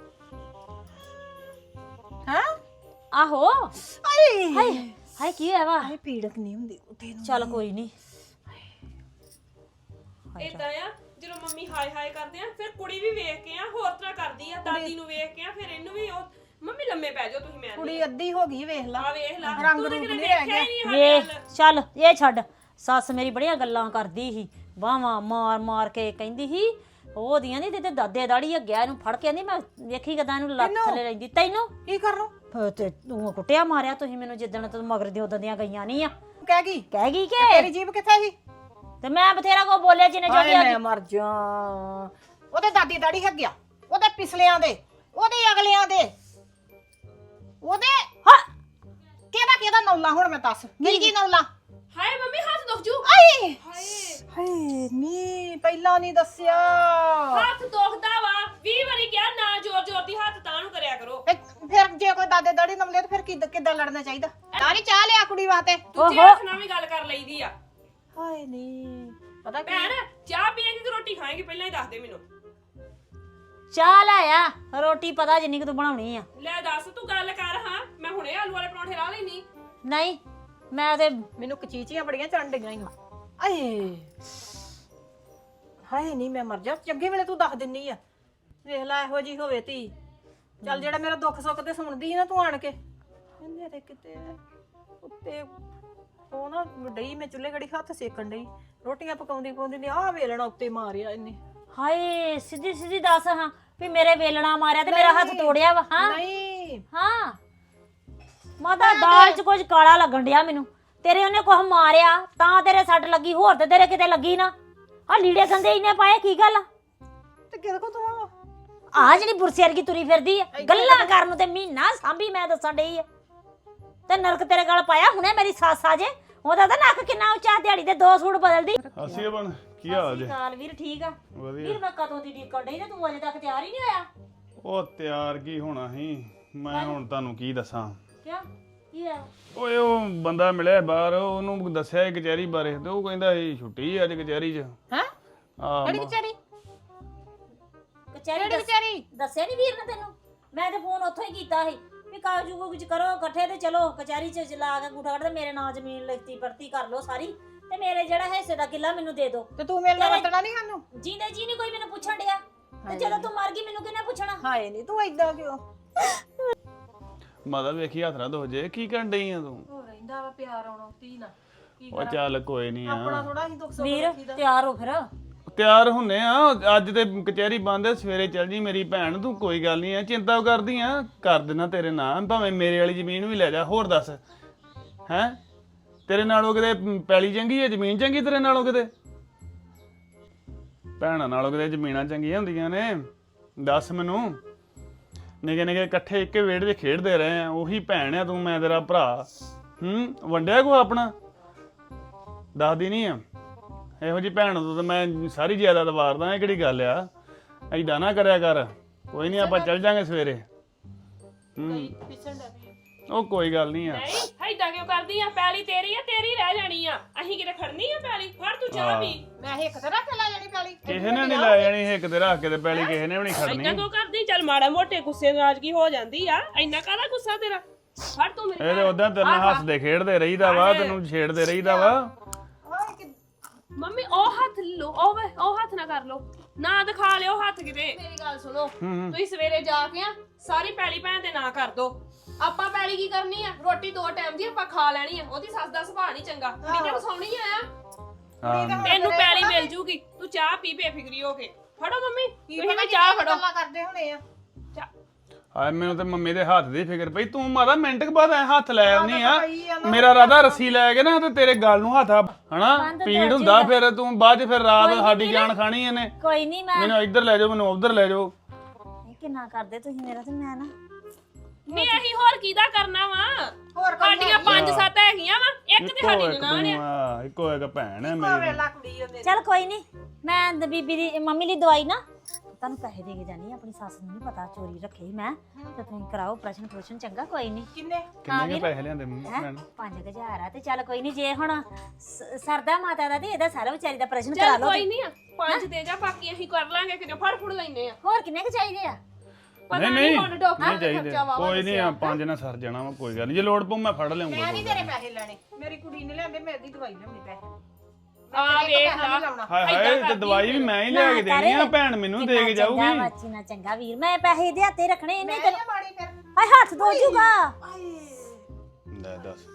[SPEAKER 4] ਹੈ
[SPEAKER 2] ਆਹੋ
[SPEAKER 4] ਆਏ
[SPEAKER 2] ਹਾਏ ਹਾਏ ਕੀ ਹੋਇਆ ਵਾ?
[SPEAKER 4] ਹਾਏ ਪੀੜਕ ਨਹੀਂ ਹੁੰਦੀ ਉੱਥੇ ਨੂੰ।
[SPEAKER 2] ਚੱਲ ਕੋਈ ਨਹੀਂ।
[SPEAKER 5] ਏਦਾਂ ਆ ਜਦੋਂ ਮੰਮੀ ਹਾਏ ਹਾਏ ਕਰਦੇ ਆ, ਫਿਰ ਕੁੜੀ ਵੀ ਵੇਖ ਕੇ ਆ ਹੋਰ ਤਰ੍ਹਾਂ ਕਰਦੀ ਆ, ਦਾਦੀ ਨੂੰ ਵੇਖ ਕੇ ਆ, ਫਿਰ ਇਹਨੂੰ ਵੀ ਉਹ ਮੰਮੀ ਲੰਮੇ ਪੈ ਜਾਓ ਤੁਸੀਂ। ਮੈਂ
[SPEAKER 4] ਕੁੜੀ ਅੱਧੀ ਹੋ ਗਈ, ਵੇਖ ਲਾ।
[SPEAKER 5] ਆ ਵੇਖ ਲਾ,
[SPEAKER 4] ਰੰਗ
[SPEAKER 5] ਤੂੰ ਤੇ
[SPEAKER 4] ਰੂਪ
[SPEAKER 5] ਕਿਤੇ
[SPEAKER 4] ਨਹੀਂ ਰਹਿ
[SPEAKER 5] ਵੇਖਿਆ ਹੀ
[SPEAKER 4] ਗਿਆ।
[SPEAKER 5] ਨਹੀਂ
[SPEAKER 2] ਵੇ
[SPEAKER 5] ਸਾਡੇ ਵੱਲ।
[SPEAKER 2] ਚੱਲ ਇਹ ਛੱਡ, ਸੱਸ ਮੇਰੀ ਬੜੀਆਂ ਗੱਲਾਂ ਕਰਦੀ ਸੀ, ਵਾਹਾਂ ਮਾਰ ਮਾਰ ਕੇ ਕਹਿੰਦੀ ਸੀ ਉਹਦੀਆਂ ਨਹੀਂ ਤੇ ਦਾਦੇ ਦਾੜੀ ਅੱਗਿਆ ਇਹਨੂੰ ਫੜ ਕੇ ਆਂਦੀ ਮੈਂ ਵੇਖੀ ਕਦਾਂ ਇਹਨੂੰ ਲੱਤ ਥੱਲੇ ਲੈਂਦੀ। ਤੈਨੂੰ
[SPEAKER 4] ਕੀ ਕਰਨੋਂ?
[SPEAKER 2] ਫਿਰ ਤੇ ਤੂੰ ਕੁੱਟਿਆ ਮਾਰਿਆ ਤੁਸੀਂ ਮੈਨੂੰ, ਜਿੱਦਣ ਤੂੰ ਮਗਰ ਦੀ ਉਦੋਂ ਦੀਆਂ ਗਈਆਂ ਨਹੀਂ ਆ।
[SPEAKER 4] ਕਹਿ ਗਈ
[SPEAKER 2] ਕਹਿ ਗਈ
[SPEAKER 4] ਤੇਰੀ
[SPEAKER 2] ਕਿ
[SPEAKER 4] ਜੀਬ ਕਿੱਥੇ ਸੀ?
[SPEAKER 2] ਤੇ ਮੈਂ ਬਥੇਰਾ ਕੋ ਬੋਲਿਆ ਜਿੰਨੇ
[SPEAKER 4] ਹਾਏ
[SPEAKER 2] ਜੋਗੀ
[SPEAKER 4] ਮੈਂ ਮਰ ਜਾ। ਉਹਦੇ ਦਾਦੀ ਦਾੜੀ ਹੈਗਿਆ, ਉਹਦੇ ਪਿਛਲਿਆਂ ਦੇ, ਉਹਦੇ ਅਗਲਿਆਂ ਦੇ, ਉਹਦੇ
[SPEAKER 2] ਹਾਂ
[SPEAKER 4] ਕਿਹਦਾ ਨੌਲਾ ਹੁਣ ਮੈਂ ਦੱਸ ਕੀ ਨੌਲਾ?
[SPEAKER 5] ਹਾਏ ਮੰਮੀ ਹੱਥ ਦੁਖ ਜੂ।
[SPEAKER 4] ਆਏ
[SPEAKER 5] ਹਾਏ
[SPEAKER 4] ਹਾਏ ਨੀ ਪਹਿਲਾਂ ਨਹੀਂ ਦੱਸਿਆ।
[SPEAKER 5] ਹੱਥ ਦੁਖਦਾ ਵਾ, 20 ਵਾਰੀ ਕਿਹਾ ਨਾ ਜ਼ੋਰ ਜ਼ੋਰ ਦੀ ਹੱਥ ਤਾਂ ਨੂੰ ਕਰਿਆ ਕਰੋ।
[SPEAKER 4] ਫਿਰ ਜੇ ਕੋਈ ਦਾਦੇ ਦਾੜੀ ਨਮਲੇ ਤਾਂ ਫਿਰ ਕਿੱਦਾਂ ਲੜਨਾ ਚਾਹੀਦਾ? ਤਾਰੀ ਚਾਹ ਲਿਆ ਕੁੜੀ ਵਾਸਤੇ।
[SPEAKER 5] ਦੂਜੇ ਹੱਥ ਨਾਲ ਵੀ ਗੱਲ ਕਰ ਲਈਦੀ ਆ।
[SPEAKER 4] ਹਾਏ ਨੀ ਪਤਾ ਕੀ
[SPEAKER 5] ਭੈਣ ਚਾਹ ਪੀਏਂਗੀ ਕਿ ਰੋਟੀ ਖਾਏਂਗੀ ਪਹਿਲਾਂ ਹੀ ਦੱਸ ਦੇ ਮੈਨੂੰ।
[SPEAKER 2] ਚਾਹ ਲੈ ਆ, ਰੋਟੀ ਪਤਾ ਜਿੰਨੀ ਕਿ ਤੂੰ ਬਣਾਉਣੀ ਆ।
[SPEAKER 5] ਲੈ ਦੱਸ ਤੂੰ ਗੱਲ ਕਰ। ਹਾਂ ਮੈਂ ਹੁਣੇ ਆਲੂ ਵਾਲੇ ਪਰੌਂਠੇ ਲਾ ਲੈਣੀ।
[SPEAKER 2] ਨਹੀਂ ਮੈਂ ਤੇ
[SPEAKER 4] ਮੈਨੂੰ ਕਚੀਚੀਆਂ ਬੜੀਆਂ ਚੜਨ ਡਈਆਂ ਈ। ਆਏ ਹਾਏ ਨਹੀਂ ਮੈਂ ਮਰ ਜਾ। ਚੰਗੇ ਵੇਲੇ ਤੂੰ ਦੱਸ ਦਿੰਨੀ ਆ, ਵੇਖ ਲੈ ਇਹੋ ਜੀ ਹੋਵੇ ਧੀ। ਚੱਲ ਜਿਹੜਾ ਮੇਰਾ ਦੁੱਖ ਸੁੱਖ ਤੇ ਸੁਣਦੀ ਸੀ ਨਾ ਤੂੰ ਆਣ ਕੇ, ਮੇਰੇ ਕਿਤੇ ਉੱਤੇ ਉਹ ਨਾ ਡਈ, ਮੈਂ ਚੁੱਲ੍ਹੇ ਗੜੀ ਹੱਥ ਸੇਕਣ ਡਈ, ਰੋਟੀਆਂ ਪਕਾਉਂਦੀ ਨੇ ਆਹ ਵੇਲਣਾ ਉੱਤੇ ਮਾਰਿਆ ਇਹਨੇ।
[SPEAKER 2] ਹਾਏ ਸਿੱਧੀ ਸਿੱਧੀ ਦੱਸ ਹਾਂ ਵੀ ਮੇਰੇ ਵੇਲਣਾ ਮਾਰਿਆ ਤੇ ਮੇਰਾ ਹੱਥ ਤੋੜਿਆ ਵਾ। ਹਾਂ
[SPEAKER 4] ਨਹੀਂ
[SPEAKER 2] ਹਾਂ ਮਾਤਾ ਦਾਲ ਚ ਕੁਝ ਕਾਲਾ ਲੱਗਣ ਡਿਆ ਮੈਨੂੰ। ਤੇਰੇ ਉਹਨੇ ਕੁਝ ਮਾਰਿਆ ਤਾਂ ਤੇਰੇ ਸੱਟ ਲੱਗੀ, ਹੋਰ ਤੇ ਤੇਰੇ ਕਿਤੇ ਲੱਗੀ ਨਾ। ਆ ਲੀੜੇ ਸੰਦੇ ਇਹਨੇ ਪਾਏ, ਕੀ ਗੱਲ ਆ?
[SPEAKER 4] ਤੇ ਕਿਹਦੇ ਕੋ ਤੂੰ
[SPEAKER 2] ਆ ਜਿਹੜੀ ਬੁਰਸੇ ਵਰਗੀ ਤੁਰੀ ਫਿਰਦੀ ਆ ਗੱਲਾਂ ਕਰਨ ਨੂੰ ਤੇ ਮਹੀਨਾ ਸਾਂਭੀ ਮੈਂ ਦੱਸਣ ਡਈ ਆ ਤੇ ਨਰਕ ਤੇਰੇ ਗਲ ਪਾਇਆ ਹੁਣੇ ਮੇਰੀ ਸੱਸ ਆ ਜੇ। ਉਹਦਾ ਤਾਂ ਨੱਕ ਕਿੰਨਾ ਉੱਚਾ, ਦਿਹਾੜੀ ਦੇ 2 ਸੂਟ ਬਦਲਦੀ।
[SPEAKER 3] ਅਸੀਂ ਬਣ ਕੀ ਹਾਲ ਜੇ?
[SPEAKER 2] ਕਾਲ ਵੀਰ ਠੀਕ ਆ
[SPEAKER 3] ਵਧੀਆ।
[SPEAKER 2] ਵੀਰ ਮੈਂ ਕਦੋਂ ਦੀ ਡੀਕਣ ਡਈ ਤੇ ਤੂੰ ਅਜੇ ਤੱਕ ਤਿਆਰ ਹੀ ਨਹੀਂ ਹੋਇਆ।
[SPEAKER 3] ਉਹ ਤਿਆਰ ਕੀ ਹੋਣਾ ਸੀ, ਮੈਂ ਹੁਣ ਤੁਹਾਨੂੰ ਕੀ ਦੱਸਾਂ।
[SPEAKER 2] ਕਿਉਂ ਕੀ ਆ
[SPEAKER 3] ਓਏ ਉਹ ਬੰਦਾ ਮਿਲਿਆ ਬਾਹਰ, ਉਹਨੂੰ ਦੱਸਿਆ ਇਹ ਕਚਹਿਰੀ ਬਾਰੇ ਤੇ ਉਹ ਕਹਿੰਦਾ ਇਹ ਛੁੱਟੀ ਅੱਜ ਕਚਹਿਰੀ 'ਚ।
[SPEAKER 4] ਹੈ
[SPEAKER 3] ਆ
[SPEAKER 4] ਕਿਹੜੀ ਵਿਚਾਰੀ
[SPEAKER 2] ਕਚਹਿਰੀ
[SPEAKER 4] ਕਿਹੜੀ ਵਿਚਾਰੀ
[SPEAKER 2] ਦੱਸਿਆ ਨਹੀਂ ਵੀਰ ਨੇ ਤੈਨੂੰ? ਮੈਂ ਤੇ ਫੋਨ ਉੱਥੋਂ ਹੀ ਕੀਤਾ ਸੀ ਵੀ ਕਾਗਜ਼ੂ ਕੁਝ ਕਰੋ ਇਕੱਠੇ ਤੇ ਚਲੋ ਕਚਹਿਰੀ 'ਚ ਲਾ ਕੇ ਗੁੱਠਾ ਕੱਢ ਤੇ ਮੇਰੇ ਨਾਂ ਜ਼ਮੀਨ ਲਿਖਤੀ ਪੜਤੀ ਕਰ ਲਓ ਸਾਰੀ ਤੇ ਮੇਰੇ ਜਿਹੜਾ ਹਿੱਸੇ ਦਾ ਕਿੱਲਾ ਮੈਨੂੰ ਦੇ ਦਿਓ।
[SPEAKER 4] ਤੇ ਤੂੰ ਮੇਰੇ ਨਾਲ ਵਰਤਣਾ ਨਹੀਂ ਸਾਨੂੰ?
[SPEAKER 2] ਜੀਂਦੇ ਜੀ ਨਹੀਂ ਕੋਈ ਮੈਨੂੰ ਪੁੱਛਣ ਡਿਆ ਤੇ ਜਦੋਂ ਤੂੰ ਮਰ ਗਈ ਮੈਨੂੰ ਕਿਹਨੇ ਪੁੱਛਣਾ?
[SPEAKER 4] ਹਾਏ ਨਹੀਂ ਤੂੰ ਏਦਾਂ ਕਿਉਂ?
[SPEAKER 3] ਮਾਤਾ ਵੇਖੀ ਹੱਥ ਨਾ ਧੋ ਜੇ, ਕੀ ਕਰਨ ਡਈ ਆ ਤੂੰ?
[SPEAKER 4] ਹੋ ਰਹਿੰਦਾ ਵਾ ਪਿਆਰ ਆਉਣਾ ਧੀ ਨਾਲ ਕੀ
[SPEAKER 3] ਉਹ ਚੱਲ ਕੋਈ ਨਹੀਂ
[SPEAKER 4] ਆਪਣਾ
[SPEAKER 3] ਆ,
[SPEAKER 4] ਥੋੜਾ ਹੀ ਦੁੱਖ ਸੁੱਖ
[SPEAKER 2] ਵੀਰ
[SPEAKER 4] ਰੱਖੀਦਾ।
[SPEAKER 2] ਤਿਆਰ ਹੋ ਫਿਰ।
[SPEAKER 3] ਤਿਆਰ ਹੁੰਨੇ ਆ। ਅੱਜ ਤੇ ਕਚਹਿਰੀ ਬੰਦ ਹੈ, ਸਵੇਰੇ ਚੱਲ ਜੀ ਮੇਰੀ ਭੈਣ। ਤੂੰ ਕੋਈ ਗੱਲ ਨਹੀਂ ਆ, ਚਿੰਤਾ ਕਰਦੀ ਆ, ਕਰ ਦੇਣਾ ਤੇਰੇ ਨਾਂ, ਭਾਵੇਂ ਮੇਰੇ ਵਾਲੀ ਜ਼ਮੀਨ ਵੀ ਲੈ ਜਾ। ਹੋਰ ਦੱਸ ਹੈ ਤੇਰੇ ਨਾਲੋਂ ਕਿਤੇ ਪੈਲੀ ਚੰਗੀ ਹੈ, ਜ਼ਮੀਨ ਚੰਗੀ ਤੇਰੇ ਨਾਲੋਂ ਕਿਤੇ? ਭੈਣਾਂ ਨਾਲੋਂ ਕਿਤੇ ਜ਼ਮੀਨਾਂ ਚੰਗੀਆਂ ਹੁੰਦੀਆਂ ਨੇ? ਦੱਸ ਮੈਨੂੰ। ਨਿੱਕੇ ਨਿੱਕੇ ਇਕੱਠੇ ਇੱਕੇ ਵਿਹੜੇ 'ਚ ਖੇਡਦੇ ਰਹੇ ਆ, ਉਹੀ ਭੈਣ ਆ ਤੂੰ, ਮੈਂ ਤੇਰਾ ਭਰਾ। ਵੰਡਿਆ ਕੋ ਆਪਣਾ? ਦੱਸਦੀ ਨਹੀਂ ਆ? ਇਹੋ ਜਿਹੀ ਭੈਣ ਤੋਂ ਤਾਂ ਮੈਂ ਸਾਰੀ ਜਾਇਦਾਦ ਵਾਰਦਾ। ਇਹ ਕਿਹੜੀ ਗੱਲ ਆ? ਐਦਾਂ ਨਾ ਕਰਿਆ ਕਰ। ਕੋਈ ਨਹੀਂ, ਆਪਾਂ ਚੱਲ ਜਾਾਂਗੇ ਸਵੇਰੇ।
[SPEAKER 4] ਪਿੱਛਣ ਦਾ ਵੀ
[SPEAKER 3] ਉਹ ਕੋਈ ਗੱਲ ਨਹੀਂ ਆ।
[SPEAKER 5] ਨਹੀਂ ਹੈਦਾਂ ਕਿਉਂ ਕਰਦੀ ਆ? ਪੈਲੀ ਤੇਰੀ ਆ, ਤੇਰੀ ਰਹਿ ਜਾਣੀ ਆ। ਅਸੀਂ ਕਿਤੇ ਖੜਨੀ ਆ ਪੈਲੀ? ਫੜ ਤੂੰ ਚਾਹ ਪੀ।
[SPEAKER 4] ਮੈਂ ਇੱਕ ਤਰ੍ਹਾਂ ਤੇ ਲੈ ਜਾਣੀ ਪੈਲੀ।
[SPEAKER 3] ਕਿਸੇ ਨੇ ਨਹੀਂ ਲੈ ਜਾਣੀ ਇੱਕ ਤੇ ਰੱਖ ਕੇ ਤੇ ਪੈਲੀ, ਕਿਸੇ ਨੇ ਵੀ ਨਹੀਂ ਖੜਨੀ।
[SPEAKER 5] ਇੰਨਾ ਕਿਉਂ ਕਰਦੀ? ਚੱਲ ਮਾੜਾ ਮੋਟੇ ਗੁੱਸੇ ਨਾਰਾਜ਼ਗੀ ਹੋ ਜਾਂਦੀ ਆ, ਇੰਨਾ ਕਾਹਦਾ ਗੁੱਸਾ ਤੇਰਾ? ਫੜ ਤੂੰ ਮੇਰੀ
[SPEAKER 3] ਇਹ ਤੇ ਉਦਾਂ ਤੇਰੇ ਨਾਲ ਹੱਸਦੇ ਖੇਡਦੇ ਰਹੀਦਾ ਵਾ, ਤੈਨੂੰ ਛੇੜਦੇ ਰਹੀਦਾ ਵਾ।
[SPEAKER 5] ਮੰਮੀ ਉਹ ਹੱਥ ਲੋ, ਉਹ ਹੱਥ ਨਾ ਕਰ ਲੋ, ਨਾ ਦਿਖਾ ਲਿਓ ਹੱਥ ਕਿਤੇ। ਮੇਰੀ ਗੱਲ ਸੁਣੋ, ਤੁਸੀਂ ਸਵੇਰੇ ਜਾ ਕੇ ਆ ਸਾਰੀ ਪੈਲੀ ਭੈਣ ਦੇ ਨਾਂ ਕਰ ਦੋ। ਆਪਾਂ ਪੈਲੀ ਕੀ ਕਰਨੀ ਆ? ਰੋਟੀ 2 ਟਾਈਮ ਦੀ ਆਪਾਂ ਖਾ ਲੈਣੀ ਆ। ਉਹਦੀ ਸੱਸ ਦਾ ਸੁਭਾਅ ਨਹੀਂ ਚੰਗਾ, ਕੁੜੀ ਨੇ ਵਸਾਉਣੀ ਆ। ਤੈਨੂੰ ਪੈਲੀ ਮਿਲ ਜੂਗੀ, ਤੂੰ ਚਾਹ ਪੀ ਬੇਫਿਕਰੀ ਹੋ ਕੇ। ਫੜੋ ਮੰਮੀ, ਤੁਸੀਂ ਵੀ ਚਾਹ ਫੜੋ।
[SPEAKER 4] ਗੱਲਾਂ ਕਰਦੇ ਹੋਣੇ ਆ।
[SPEAKER 3] ਹਾਏ ਮੈਨੂੰ ਤੇ ਮੰਮੀ ਦੇ ਹੱਥ ਦੀ ਫਿਕਰ ਪਈ। ਤੂੰ ਮਾਤਾ ਮਿੰਟ ਕੁ ਬਾਅਦ ਐ ਹੱਥ ਲੈ ਆਉਣੀ ਆ। ਮੇਰਾ ਰਾਦਾ ਰੱਸੀ ਲੈ ਕੇ ਨਾ ਤੇ ਤੇਰੇ ਗਲ ਨੂੰ ਹੱਥ ਹਨਾ ਪੀੜ ਹੁੰਦਾ, ਫਿਰ ਤੂੰ ਬਾਅਦ ਚ ਫਿਰ ਰਾਤ ਸਾਡੀ ਜਾਨ ਖਾਣੀ ਇਹਨੇ।
[SPEAKER 2] ਕੋਈ ਨਹੀਂ ਮੈਂ
[SPEAKER 3] ਮੈਨੂੰ ਇੱਧਰ ਲੈ ਜਾਓ, ਮੈਨੂੰ ਉੱਧਰ ਲੈ ਜਾਓ।
[SPEAKER 2] ਕਿੰਨਾ ਕਰਦੇ ਤੁਸੀਂ ਮੇਰਾ ਤੇ ਮੈਂ ਨਾ
[SPEAKER 5] ਨਹੀਂ ਅਸੀਂ ਹੋਰ ਕਿਹਦਾ ਕਰਨਾ ਵਾ?
[SPEAKER 4] ਹੋਰ
[SPEAKER 5] ਸਾਡੀਆਂ 5-7 ਹੈਗੀਆਂ ਵਾ, ਇੱਕ ਤੇ ਸਾਡੀ ਨਨਾਣ ਆ।
[SPEAKER 3] ਇੱਕੋ ਇੱਕ ਭੈਣ ਹੈ ਮੇਰੀ।
[SPEAKER 4] ਵੇਲਾ ਕੁੜੀ ਆ ਮੇਰੀ।
[SPEAKER 2] ਚੱਲ ਕੋਈ ਨਹੀਂ, ਮੈਂ ਬੀਬੀ ਦੀ ਮੰਮੀ ਲਈ ਦਵਾਈ ਨਾ ਤੁਹਾਨੂੰ ਪੈਸੇ ਦੇ ਕੇ ਜਾਨੀ। ਆਪਣੀ ਸੱਸ ਨੂੰ ਨਹੀਂ ਪਤਾ ਚੋਰੀ ਰੱਖੇ ਮੈਂ, ਤੇ ਤੁਸੀਂ ਕਰਾਓ ਪ੍ਰਸ਼ਨ ਚੰਗਾ। ਕੋਈ ਨਹੀਂ।
[SPEAKER 4] ਕਿੰਨੇ
[SPEAKER 3] ਕਿੰਨੇ ਪੈਸੇ ਲਿਆਂਦੇ ਭੈਣ?
[SPEAKER 2] 5000 ਆ ਤੇ ਚੱਲ ਕੋਈ ਨਹੀਂ। ਜੇ ਹੁਣ ਸਰਦਾ ਮਾਤਾ ਦਾ ਤੇ ਇਹਦਾ ਸਾਰਾ ਵਿਚਾਰੀ ਦਾ ਪ੍ਰਸ਼ਨ ਕਰਾ
[SPEAKER 5] ਚੱਲ
[SPEAKER 2] ਲਓ।
[SPEAKER 5] ਕੋਈ ਨਹੀਂ ਆ, 5 ਦੇ ਜਾ, ਬਾਕੀ ਅਸੀਂ ਕਰ ਲਾਂਗੇ। ਕਿਤੇ ਫੜ ਫੁੜ ਲੈਨੇ ਆ।
[SPEAKER 2] ਹੋਰ ਕਿੰਨੇ ਕੁ ਚਾਹੀਦੇ ਆ?
[SPEAKER 5] ਪਤਾ
[SPEAKER 3] ਨਹੀਂ
[SPEAKER 5] ਨਹੀਂ
[SPEAKER 3] ਨਹੀਂ
[SPEAKER 5] ਹੁਣ ਡਾਕਟਰ
[SPEAKER 3] ਨਹੀਂ
[SPEAKER 5] ਦਾ
[SPEAKER 3] ਚਾਹੀਦੇ,
[SPEAKER 5] ਖਰਚਾ ਵਾਵਾ
[SPEAKER 3] ਕੋਈ ਨਹੀਂ ਆ। 5 ਨਾਲ ਸਰ ਜਾਣਾ ਵਾ, ਕੋਈ ਗੱਲ ਨਹੀਂ। ਜੇ ਲੋੜ ਪਊ ਮੈਂ ਫੜ ਲਿਆਉਂਗਾ।
[SPEAKER 4] ਮੈਂ ਨਹੀਂ ਤੇਰੇ ਪੈਸੇ ਲੈਣੇ। ਮੇਰੀ ਕੁੜੀ ਨੇ ਲਿਆਂਦੇ, ਮੇਰੀ ਦਵਾਈ ਲਿਆਉਣੀ ਪੈਸੇ।
[SPEAKER 5] ਆ ਵੇਖ ਲਾ,
[SPEAKER 3] ਹਾਏ ਹਾਏ, ਤੇ ਦਵਾਈ ਵੀ ਮੈਂ ਹੀ ਲਿਆ ਕੇ ਦੇਣੀ ਆ। ਭੈਣ ਮੈਨੂੰ ਦੇ ਕੇ ਜਾਊਗੀ।
[SPEAKER 2] ਚੰਗਾ ਬੱਚੀ ਨਾ ਚੰਗਾ ਵੀਰ, ਮੈਂ ਪੈਸੇ ਦੇ ਹੱਥੇ ਰੱਖਣੇ। ਨਹੀਂ
[SPEAKER 4] ਮੈਂ
[SPEAKER 2] ਤੈਨੂੰ
[SPEAKER 4] ਮਾੜੀ ਫਿਰ।
[SPEAKER 2] ਹਾਏ ਹੱਥ ਧੋ ਜੂਗਾ।
[SPEAKER 3] ਲੈ ਦੱਸ।